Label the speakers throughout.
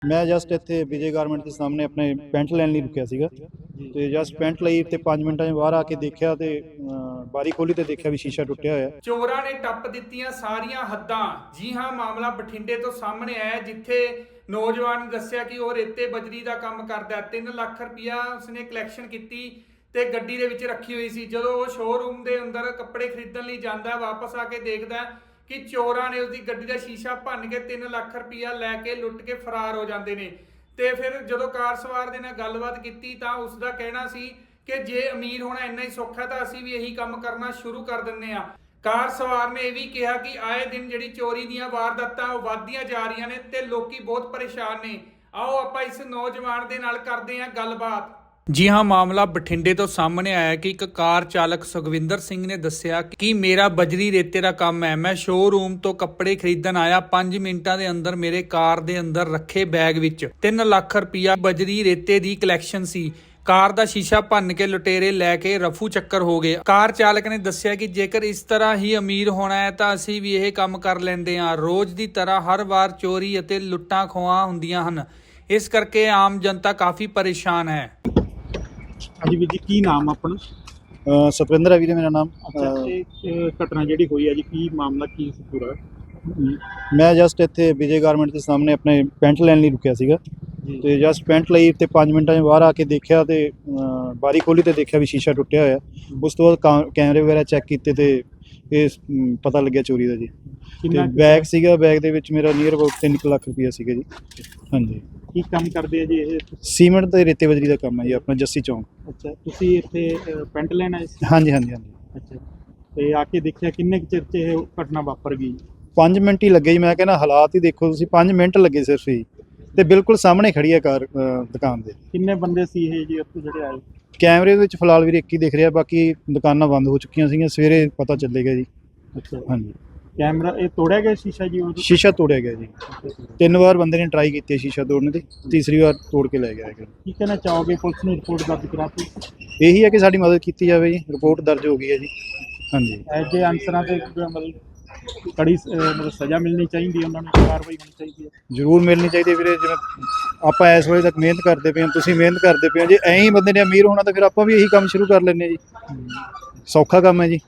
Speaker 1: ਮੈਂ ਜਸਟ ਇੱਥੇ ਵਿਜੇ ਗਾਰਮੈਂਟ ਦੇ ਸਾਹਮਣੇ ਆਪਣੇ ਪੈਂਟ ਲੈਣ ਲਈ ਰੁਕਿਆ ਸੀਗਾ ਤੇ ਜਸਟ ਪੈਂਟ ਲਈ ਤੇ 5 ਮਿੰਟਾਂ 'ਚ ਬਾਹਰ ਆ ਕੇ ਦੇਖਿਆ ਤੇ ਬਾਰੀ ਖੋਲੀ ਤੇ ਦੇਖਿਆ ਵੀ ਸ਼ੀਸ਼ਾ ਟੁੱਟਿਆ ਹੋਇਆ।
Speaker 2: ਚੋਰਾਂ ਨੇ ਟੱਪ ਦਿੱਤੀਆਂ ਸਾਰੀਆਂ ਹੱਦਾਂ। ਜੀ ਹਾਂ, ਮਾਮਲਾ ਬਠਿੰਡੇ ਤੋਂ ਸਾਹਮਣੇ ਆਇਆ ਜਿੱਥੇ ਨੌਜਵਾਨ ਨੇ ਦੱਸਿਆ ਕਿ ਉਹ ਰੇਤੇ ਬਜਰੀ ਦਾ ਕੰਮ ਕਰਦਾ ਹੈ। 3 ਲੱਖ ਰੁਪਇਆ ਉਸਨੇ ਕਲੈਕਸ਼ਨ ਕੀਤੀ ਤੇ ਗੱਡੀ ਦੇ ਵਿੱਚ ਰੱਖੀ ਹੋਈ ਸੀ। ਜਦੋਂ ਉਹ ਸ਼ੋਰੂਮ ਦੇ ਅੰਦਰ ਕੱਪੜੇ ਖਰੀਦਣ ਲਈ ਜਾਂਦਾ, ਵਾਪਸ ਆ ਕੇ ਦੇਖਦਾ ਕਿ ਚੋਰਾਂ ਨੇ ਉਸਦੀ ਗੱਡੀ ਦਾ ਸ਼ੀਸ਼ਾ ਭੰਨ ਕੇ 3 ਲੱਖ ਰੁਪਇਆ ਲੈ ਕੇ ਲੁੱਟ ਕੇ ਫਰਾਰ ਹੋ ਜਾਂਦੇ ਨੇ। ਤੇ ਫਿਰ ਜਦੋਂ ਕਾਰ ਸਵਾਰ ਦੇ ਨਾਲ ਗੱਲਬਾਤ ਕੀਤੀ ਤਾਂ ਉਸ ਦਾ ਕਹਿਣਾ ਸੀ ਕਿ ਜੇ ਅਮੀਰ ਹੋਣਾ ਇੰਨਾ ਹੀ ਸੌਖਾ ਤਾਂ ਅਸੀਂ ਵੀ ਇਹੀ ਕੰਮ ਕਰਨਾ ਸ਼ੁਰੂ ਕਰ ਦਿੰਦੇ ਆ। ਕਾਰ ਸਵਾਰ ਨੇ ਇਹ ਵੀ ਕਿਹਾ ਕਿ ਆਏ ਦਿਨ ਜਿਹੜੀ ਚੋਰੀ ਦੀਆਂ ਵਾਰਦਾਤਾਂ ਉਹ ਵੱਧਦੀਆਂ ਜਾ ਰਹੀਆਂ ਨੇ ਤੇ ਲੋਕੀ ਬਹੁਤ ਪਰੇਸ਼ਾਨ ਨੇ। ਆਓ ਆਪਾਂ ਇਸ ਨੌਜਵਾਨ ਦੇ ਨਾਲ ਕਰਦੇ ਹਾਂ ਗੱਲਬਾਤ। ਜੀ ਹਾਂ, ਮਾਮਲਾ ਬਠਿੰਡੇ ਤੋਂ ਸਾਹਮਣੇ ਆਇਆ ਕਿ ਇੱਕ ਕਾਰ ਚਾਲਕ ਸੁਖਵਿੰਦਰ ਸਿੰਘ ਨੇ ਦੱਸਿਆ ਕਿ ਮੇਰਾ ਬਜਰੀ ਰੇਤੇ ਦਾ ਕੰਮ ਹੈ। ਮੈਂ ਸ਼ੋਰੂਮ ਤੋਂ ਕੱਪੜੇ ਖਰੀਦਣ ਆਇਆ, 5 ਮਿੰਟਾਂ ਦੇ ਅੰਦਰ ਮੇਰੇ ਕਾਰ ਦੇ ਅੰਦਰ ਰੱਖੇ ਬੈਗ ਵਿੱਚ 3 ਲੱਖ ਰੁਪਇਆ ਬਜਰੀ ਰੇਤੇ ਦੀ ਕਲੈਕਸ਼ਨ ਸੀ। ਕਾਰ ਦਾ ਸ਼ੀਸ਼ਾ ਭੰਨ ਕੇ ਲੁਟੇਰੇ ਲੈ ਕੇ ਰਫੂ ਚੱਕਰ ਹੋ ਗਏ। ਕਾਰ ਚਾਲਕ ਨੇ ਦੱਸਿਆ ਕਿ ਜੇਕਰ ਇਸ ਤਰ੍ਹਾਂ ਹੀ ਅਮੀਰ ਹੋਣਾ ਹੈ ਤਾਂ ਅਸੀਂ ਵੀ ਇਹ ਕੰਮ ਕਰ ਲੈਂਦੇ ਹਾਂ। ਰੋਜ਼ ਦੀ ਤਰ੍ਹਾਂ ਹਰ ਵਾਰ ਚੋਰੀ ਅਤੇ ਲੁੱਟਾਂ ਖੋਹਾਂ ਹੁੰਦੀਆਂ ਹਨ, ਇਸ ਕਰਕੇ ਆਮ ਜਨਤਾ ਕਾਫੀ ਪਰੇਸ਼ਾਨ ਹੈ।
Speaker 3: ਹਾਂਜੀ ਵੀਰ ਜੀ, ਕੀ ਨਾਮ ਆਪਣਾ?
Speaker 1: ਸਤਵਿੰਦਰ ਹੈ ਵੀਰੇ ਮੇਰਾ ਨਾਮ।
Speaker 3: ਇਹ ਘਟਨਾ ਜਿਹੜੀ ਹੋਈ ਹੈ ਜੀ, ਕੀ ਮਾਮਲਾ ਕੀ ਸੀ ਪੂਰਾ?
Speaker 1: ਮੈਂ ਜਸਟ ਇੱਥੇ ਵਿਜੇ ਗਾਰਮੈਂਟ ਦੇ ਸਾਹਮਣੇ ਆਪਣੇ ਪੈਂਟ ਲੈਣ ਲਈ ਰੁਕਿਆ ਸੀਗਾ ਤੇ ਜਸਟ ਪੈਂਟ ਲਈ ਤੇ 5 ਮਿੰਟਾਂ 'ਚ ਬਾਹਰ ਆ ਕੇ ਦੇਖਿਆ ਤੇ ਬਾਰੀ ਖੋਲੀ ਤੇ ਦੇਖਿਆ ਵੀ ਸ਼ੀਸ਼ਾ ਟੁੱਟਿਆ ਹੋਇਆ। ਉਸ ਤੋਂ ਬਾਅਦ ਕੈਮਰੇ ਵਗੈਰਾ ਚੈੱਕ ਕੀਤੇ ਤੇ ਇਹ ਪਤਾ ਲੱਗਿਆ ਚੋਰੀ ਦਾ ਜੀ। ਤੇ ਬੈਗ ਸੀਗਾ, ਬੈਗ ਦੇ ਵਿੱਚ ਮੇਰਾ ਨੀਅਰ ਅਬਾਊਟ 3 ਲੱਖ ਰੁਪਇਆ ਸੀਗਾ ਜੀ। ਹਾਂਜੀ।
Speaker 3: ਕੀ ਕੰਮ ਕਰਦੇ ਆ ਜੀ ਇਹ?
Speaker 1: ਸੀਮੈਂਟ ਤੇ ਰੇਤੇ ਬਜਰੀ ਦਾ ਕੰਮ ਹੈ ਜੀ, ਆਪਣਾ ਜੱਸੀ ਚੌਂਕ।
Speaker 3: ਅੱਛਾ, ਤੁਸੀਂ ਇੱਥੇ ਪੈਂਟ ਲੈਣ ਆਏ ਸੀ?
Speaker 1: ਹਾਂਜੀ ਹਾਂਜੀ ਹਾਂਜੀ।
Speaker 3: ਅੱਛਾ, ਤੇ ਆ ਕੇ ਦੇਖਿਆ ਕਿੰਨੇ ਕੁ ਚਿਰ 'ਚ ਇਹ ਘਟਨਾ ਵਾਪਰ ਗਈ?
Speaker 1: 5 ਮਿੰਟ ਹੀ ਲੱਗੇ ਜੀ। ਮੈਂ ਕਹਿੰਦਾ ਹਾਲਾਤ ਹੀ ਦੇਖੋ ਤੁਸੀਂ, 5 ਮਿੰਟ ਲੱਗੇ ਸਿਰਫ ਹੀ, ਤੇ ਬਿਲਕੁਲ ਸਾਹਮਣੇ ਖੜੀ ਹੈ ਕਾਰ ਦੁਕਾਨ ਦੇ।
Speaker 3: ਕਿੰਨੇ ਬੰਦੇ ਸੀ ਇਹ ਜੀ ਉੱਥੇ ਜਿਹੜੇ ਆਏ?
Speaker 1: ਕੈਮਰੇ ਦੇ ਵਿੱਚ ਫਿਲਹਾਲ ਵੀਰੇ 1 ਹੀ ਦਿਖ ਰਿਹਾ, ਬਾਕੀ ਦੁਕਾਨਾਂ ਬੰਦ ਹੋ ਚੁੱਕੀਆਂ ਸੀਗੀਆਂ। ਸਵੇਰੇ ਪਤਾ ਚੱਲੇਗਾ ਜੀ।
Speaker 3: ਅੱਛਾ
Speaker 1: ਹਾਂਜੀ।
Speaker 3: ਕੈਮਰਾ ਇਹ ਤੋੜਿਆ ਗਿਆ ਸ਼ੀਸ਼ਾ ਜੀ? ਉਹ
Speaker 1: ਸ਼ੀਸ਼ਾ ਤੋੜਿਆ ਗਿਆ ਜੀ। 3 ਵਾਰ ਬੰਦੇ ਨੇ ਟਰਾਈ ਕੀਤੀ ਹੈ ਸ਼ੀਸ਼ਾ ਤੋੜਨ ਦੀ, ਤੀਸਰੀ ਵਾਰ ਤੋੜ ਕੇ ਲੈ ਗਿਆ ਹੈਗਾ।
Speaker 3: ਕੀ ਕਹਿਣਾ ਚਾਹੋਗੇ? ਪੁਲਿਸ ਨੂੰ ਰਿਪੋਰਟ ਦਰਜ ਕਰਾਤੀ?
Speaker 1: ਇਹੀ ਹੈ ਕਿ ਸਾਡੀ ਮਦਦ ਕੀਤੀ ਜਾਵੇ ਜੀ। ਰਿਪੋਰਟ ਦਰਜ ਹੋ ਗਈ ਹੈ ਜੀ। ਹਾਂਜੀ।
Speaker 3: ਐਜੇ ਅਨਸਰਾਂ ਤੇ ਮਤਲਬ ਕੜੀ ਮਤਲਬ ਸਜ਼ਾ ਮਿਲਣੀ ਚਾਹੀਦੀ, ਉਹਨਾਂ ਨੂੰ ਕਾਰਵਾਈ ਹੋਣੀ ਚਾਹੀਦੀ ਹੈ।
Speaker 1: ਜ਼ਰੂਰ ਮਿਲਣੀ ਚਾਹੀਦੀ ਵੀਰੇ। ਜਿਵੇਂ ਆਪਾਂ ਇਸ ਵੇਲੇ ਤੱਕ ਮਿਹਨਤ ਕਰਦੇ ਪਏ ਹਾਂ, ਤੁਸੀਂ ਮਿਹਨਤ ਕਰਦੇ ਪਏ ਹੋ, ਜੇ ਐਂ ਹੀ ਬੰਦੇ ਨੇ ਅਮੀਰ ਹੋਣਾ ਤਾਂ ਫਿਰ ਆਪਾਂ ਵੀ ਇਹੀ ਕੰਮ ਸ਼ੁਰੂ ਕਰ ਲੈਂਦੇ ਹਾਂ ਜੀ। ਸੌਖਾ ਕੰਮ ਹੈ ਜੀ।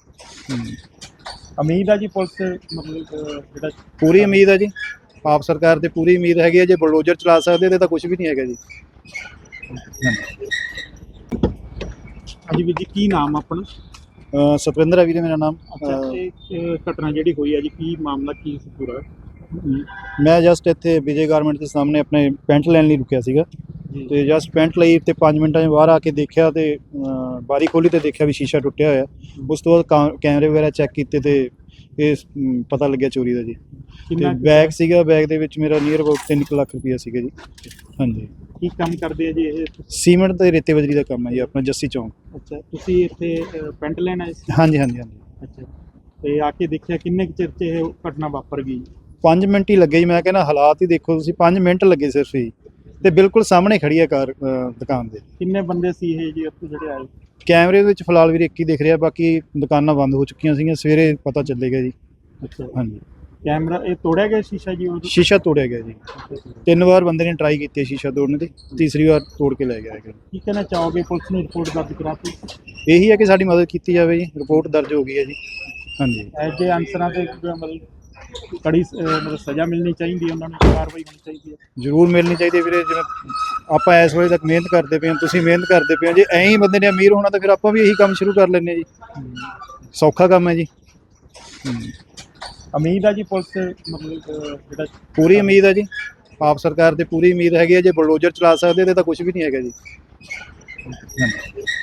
Speaker 3: ਉਮੀਦ ਆ ਜੀ ਪੁਲਿਸ ਮਤਲਬ ਜਿਹੜਾ
Speaker 1: ਪੂਰੀ ਉਮੀਦ ਹੈ ਜੀ, ਆਪ ਸਰਕਾਰ ਤੇ ਪੂਰੀ ਉਮੀਦ ਹੈਗੀ ਹੈ। ਜੇ ਬਲਡੋਜ਼ਰ ਚਲਾ ਸਕਦੇ ਤੇ ਤਾਂ ਕੁਝ ਵੀ ਨਹੀਂ ਹੈਗਾ ਜੀ।
Speaker 3: ਹਾਂਜੀ ਵੀਰ ਜੀ, ਕੀ ਨਾਮ ਆਪਣਾ?
Speaker 1: ਸਤਵਿੰਦਰ ਹੈ ਵੀਰੇ ਮੇਰਾ ਨਾਮ।
Speaker 3: ਅੱਛਾ, ਇਹ ਘਟਨਾ ਜਿਹੜੀ ਹੋਈ ਹੈ ਜੀ, ਕੀ ਮਾਮਲਾ ਕੀ ਸੀ ਪੂਰਾ?
Speaker 1: ਮੈਂ ਜਸਟ ਇੱਥੇ ਵਿਜੇ ਗਾਰਮੈਂਟ ਦੇ ਸਾਹਮਣੇ ਆਪਣੇ ਪੈਂਟ ਲੈਣ ਲਈ ਰੁਕਿਆ ਸੀਗਾ ਤੇ ਜਸਟ ਪੈਂਟ ਲਈ ਤੇ 5 ਮਿੰਟਾਂ 'ਚ ਬਾਹਰ ਆ ਕੇ ਦੇਖਿਆ ਤੇ ਬਾਰੀ ਖੋਲੀ ਤੇ ਦੇਖਿਆ ਵੀ ਸ਼ੀਸ਼ਾ ਟੁੱਟਿਆ ਹੋਇਆ। ਉਸ ਤੋਂ ਬਾਅਦ ਕੈਮਰੇ ਵਗੈਰਾ ਚੈੱਕ ਕੀਤੇ ਤੇ ਇਹ ਪਤਾ ਲੱਗਿਆ ਚੋਰੀ ਦਾ ਜੀ। ਤੇ ਬੈਗ ਸੀਗਾ, ਬੈਗ ਦੇ ਵਿੱਚ ਮੇਰਾ ਨੀਅਰ ਅਬਾਊਟ 3 ਲੱਖ ਰੁਪਇਆ ਸੀਗਾ ਜੀ। ਹਾਂਜੀ।
Speaker 3: ਕੀ ਕੰਮ ਕਰਦੇ ਆ ਜੀ ਇਹ?
Speaker 1: ਸੀਮੈਂਟ ਤੇ ਰੇਤੇ ਬਜਰੀ ਦਾ ਕੰਮ ਹੈ ਜੀ, ਆਪਣਾ ਜੱਸੀ ਚੌਂਕ।
Speaker 3: ਅੱਛਾ, ਤੁਸੀਂ ਇੱਥੇ ਪੈਂਟ ਲੈਣ ਆਏ ਸੀ?
Speaker 1: ਹਾਂਜੀ ਹਾਂਜੀ ਹਾਂਜੀ।
Speaker 3: ਅੱਛਾ, ਤੇ ਆ ਕੇ ਦੇਖਿਆ ਕਿੰਨੇ ਕੁ ਚਿਰ 'ਚ ਇਹ ਘਟਨਾ ਵਾਪਰ ਗਈ?
Speaker 1: 5 ਮਿੰਟ ਹੀ ਲੱਗੇ ਜੀ। ਮੈਂ ਕਹਿੰਦਾ ਹਾਲਾਤ ਹੀ ਦੇਖੋ ਤੁਸੀਂ, 5 ਮਿੰਟ ਲੱਗੇ ਸਿਰਫ ਹੀ, ਤੇ ਬਿਲਕੁਲ ਸਾਹਮਣੇ ਖੜੀ ਹੈ ਕਾਰ ਦੁਕਾਨ ਦੇ।
Speaker 3: ਕਿੰਨੇ ਬੰਦੇ ਸੀ ਇਹ ਜੀ ਉੱਥੇ ਜਿਹੜੇ ਆਏ?
Speaker 1: ਕੈਮਰੇ ਦੇ ਵਿੱਚ ਫਿਲਹਾਲ ਵੀਰੇ 1 ਹੀ ਦਿਖ ਰਿਹਾ, ਬਾਕੀ ਦੁਕਾਨਾਂ ਬੰਦ ਹੋ ਚੁੱਕੀਆਂ ਸੀਗੀਆਂ। ਸਵੇਰੇ ਪਤਾ ਚੱਲੇਗਾ ਜੀ।
Speaker 3: ਅੱਛਾ,
Speaker 1: ਹਾਂਜੀ।
Speaker 3: ਕੈਮਰਾ ਇਹ ਤੋੜਿਆ ਗਿਆ ਸ਼ੀਸ਼ਾ ਜੀ? ਉਹ
Speaker 1: ਸ਼ੀਸ਼ਾ ਤੋੜਿਆ ਗਿਆ ਜੀ। 3 ਵਾਰ ਬੰਦੇ ਨੇ ਟਰਾਈ ਕੀਤੀ ਹੈ ਸ਼ੀਸ਼ਾ ਤੋੜਨ ਦੀ, ਤੀਸਰੀ ਵਾਰ ਤੋੜ ਕੇ ਲੈ ਗਿਆ ਹੈਗਾ।
Speaker 3: ਕੀ ਕਹਿਣਾ ਚਾਹੋਗੇ? ਪੁਲਿਸ ਨੂੰ ਰਿਪੋਰਟ ਦਰਜ ਕਰਾਤੀ?
Speaker 1: ਇਹੀ ਹੈ ਕਿ ਸਾਡੀ ਮਦਦ ਕੀਤੀ ਜਾਵੇ ਜੀ। ਰਿਪੋਰਟ ਦਰਜ ਹੋ ਗਈ ਹੈ ਜੀ। ਹਾਂਜੀ।
Speaker 3: ਐਜੇ ਅਨਸਰਾਂ ਤੇ ਮਤਲਬ ਕੜੀ ਮਤਲਬ ਸਜ਼ਾ ਮਿਲਣੀ ਚਾਹੀਦੀ, ਉਹਨਾਂ ਨੂੰ ਕਾਰਵਾਈ ਹੋਣੀ ਚਾਹੀਦੀ ਹੈ।
Speaker 1: ਜ਼ਰੂਰ ਮਿਲਣੀ ਚਾਹੀਦੀ ਵੀਰੇ। ਜਿਵੇਂ ਆਪਾਂ ਇਸ ਵੇਲੇ ਤੱਕ ਮਿਹਨਤ ਕਰਦੇ ਪਏ ਹਾਂ, ਤੁਸੀਂ ਮਿਹਨਤ ਕਰਦੇ ਪਏ ਹੋ, ਜੇ ਐਂ ਹੀ ਬੰਦੇ ਨੇ ਅਮੀਰ ਹੋਣਾ ਤਾਂ ਫਿਰ ਆਪਾਂ ਵੀ ਇਹੀ ਕੰਮ ਸ਼ੁਰੂ ਕਰ ਲੈਂਦੇ ਹਾਂ ਜੀ। ਸੌਖਾ ਕੰਮ ਹੈ ਜੀ।
Speaker 3: ਉਮੀਦ ਆ ਜੀ ਪੁਲਿਸ ਮਤਲਬ ਜਿਹੜਾ
Speaker 1: ਪੂਰੀ ਉਮੀਦ ਹੈ ਜੀ, ਆਪ ਸਰਕਾਰ ਤੇ ਪੂਰੀ ਉਮੀਦ ਹੈਗੀ ਹੈ। ਜੇ ਬਲਡੋਜ਼ਰ ਚਲਾ ਸਕਦੇ ਤੇ ਤਾਂ ਕੁਝ ਵੀ ਨਹੀਂ ਹੈਗਾ ਜੀ।